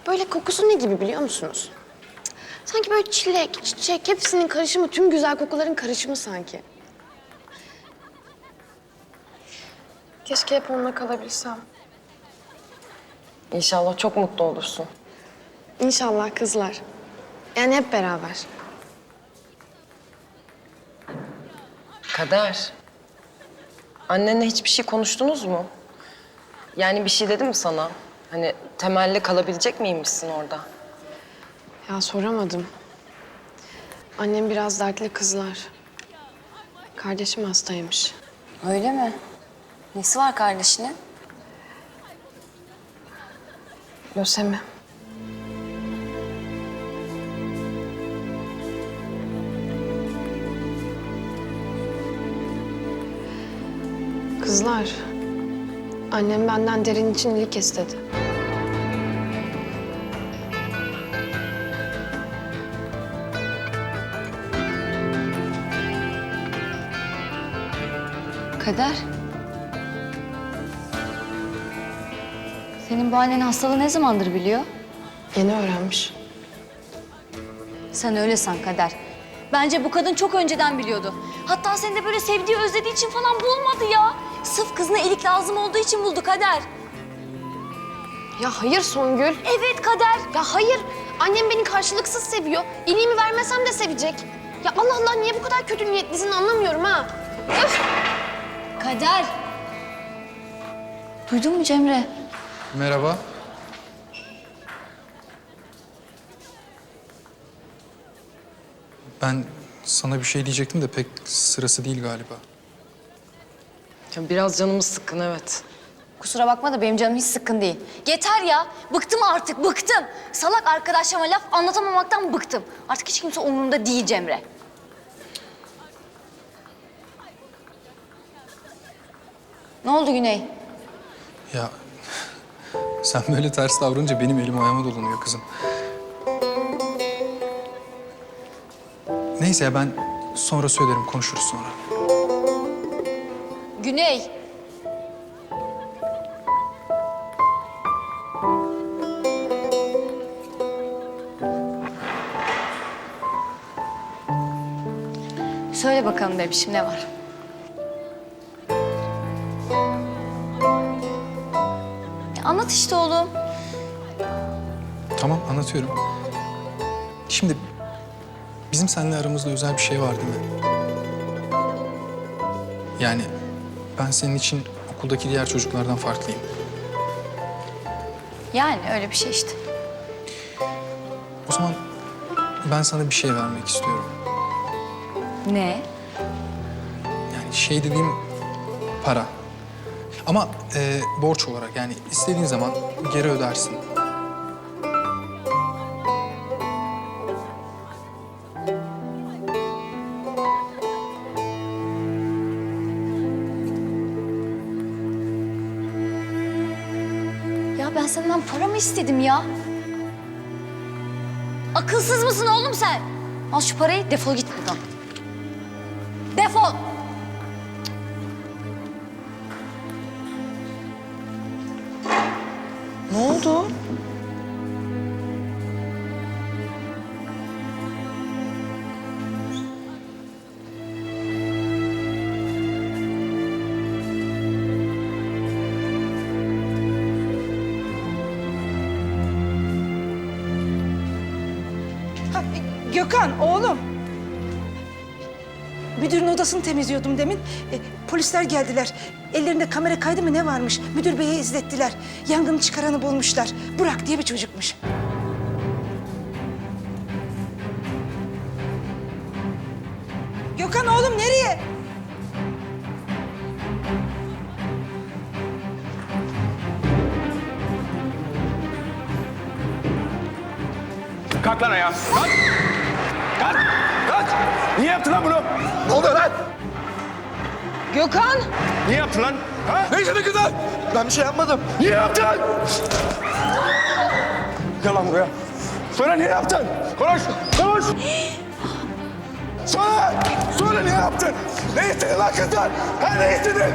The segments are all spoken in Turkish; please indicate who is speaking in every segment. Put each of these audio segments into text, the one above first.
Speaker 1: Böyle kokusu ne gibi biliyor musunuz? Sanki böyle çilek, çiçek hepsinin karışımı, tüm güzel kokuların karışımı sanki. Keşke hep onunla kalabilsem.
Speaker 2: İnşallah çok mutlu olursun.
Speaker 1: İnşallah kızlar. Yani hep beraber.
Speaker 2: Kader. Annenle hiçbir şey konuştunuz mu? Yani bir şey dedi mi sana? Hani temelli kalabilecek miymişsin orada?
Speaker 1: Ya soramadım. Annem biraz dertli kızlar. Kardeşim hastaymış.
Speaker 3: Öyle mi? Nesi var kardeşinin?
Speaker 1: Lösemi. Kızlar, annem benden Derin için iyilik istedi.
Speaker 3: Kader. Senin bu annenin hastalığı ne zamandır biliyor?
Speaker 1: Yeni öğrenmiş.
Speaker 3: Sen öyle san Kader. Bence bu kadın çok önceden biliyordu. Hatta seni de böyle sevdiği, özlediği için falan bulmadı ya. Sırf kızına iyilik lazım olduğu için buldu Kader.
Speaker 1: Ya hayır Songül.
Speaker 3: Evet Kader.
Speaker 1: Ya hayır. Annem beni karşılıksız seviyor. İliğimi vermesem de sevecek. Ya Allah Allah niye bu kadar kötü niyetlisin anlamıyorum ha. Öf!
Speaker 3: Kader. Duydun mu Cemre?
Speaker 4: Merhaba. Ben sana bir şey diyecektim de pek sırası değil galiba.
Speaker 2: Ya biraz canımız sıkkın, evet.
Speaker 3: Kusura bakma da benim canım hiç sıkkın değil. Yeter ya. Bıktım artık, bıktım. Salak arkadaşlarıma laf anlatamamaktan bıktım. Artık hiç kimse umurumda değil Cemre. Ne oldu Güney?
Speaker 4: Ya sen böyle ters davranınca benim elim ayağıma dolanıyor kızım. Neyse ya ben sonra söylerim, konuşuruz sonra.
Speaker 3: Güney. Söyle bakalım bebişim ne var? Ya anlat işte oğlum.
Speaker 4: Tamam, anlatıyorum. Şimdi bizim seninle aramızda özel bir şey var değil mi? Yani ben senin için okuldaki diğer çocuklardan farklıyım.
Speaker 3: Yani öyle bir şey işte.
Speaker 4: O zaman ben sana bir şey vermek istiyorum.
Speaker 3: Ne?
Speaker 4: Yani şey dediğim para. Ama borç olarak, yani istediğin zaman geri ödersin.
Speaker 3: Ya ben senden para mı istedim ya? Akılsız mısın oğlum sen? Al şu parayı, defol git buradan. Defol!
Speaker 2: Ne oldu?
Speaker 5: Ha, Gökhan oğlum. Müdürün odasını temizliyordum demin. Polisler geldiler. Ellerinde kamera kaydı mı ne varmış? Müdür beye izlettiler. Yangını çıkaranı bulmuşlar. Burak diye bir çocukmuş. Gökhan oğlum nereye?
Speaker 6: Kalk lan ayağa. Kalk. Kalk. Kalk. Niye yaptın lan bunu? Ne oluyor lan?
Speaker 2: Gökhan!
Speaker 6: Niye yaptın lan? Ha? Ne işin kızlar?
Speaker 7: Ben bir şey yapmadım.
Speaker 6: Niye yaptın? Gel lan buraya. Söyle niye yaptın? Konuş. Konuş. Söyle. Söyle niye yaptın? Ne istedin lan kızlar? Ha ne istedin?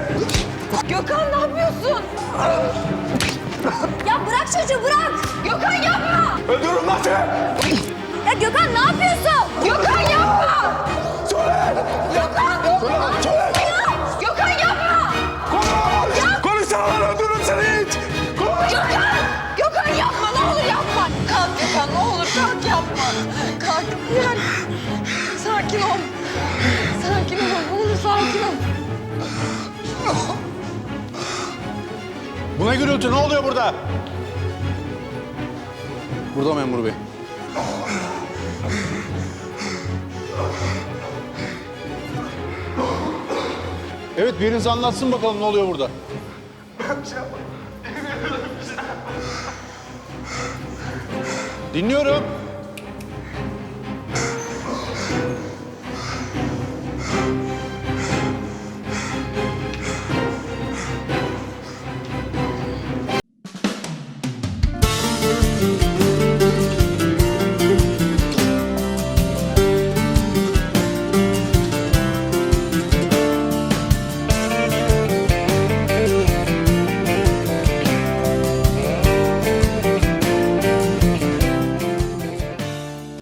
Speaker 3: Gökhan ne yapıyorsun? Ya bırak çocuğu bırak! Gökhan yapma!
Speaker 6: Öldürürüm lan seni.
Speaker 3: Ya Gökhan ne yapıyorsun? Gökhan yapma!
Speaker 6: Söyle.
Speaker 3: Gökhan!
Speaker 6: Söyle.
Speaker 3: Gökhan yapma!
Speaker 6: Konuş. Konuşsana lan öldürürüm seni hiç. Konuş.
Speaker 3: Gökhan yapma ne olur yapma. Kalk Gökhan ne olur kalk yapma. Kalk yani. Sakin ol. Sakin ol ne olur sakin ol.
Speaker 7: Bu ne gürültü? Ne oluyor burada? Burada memur bey. Evet, biriniz anlatsın bakalım ne oluyor burada. Dinliyorum.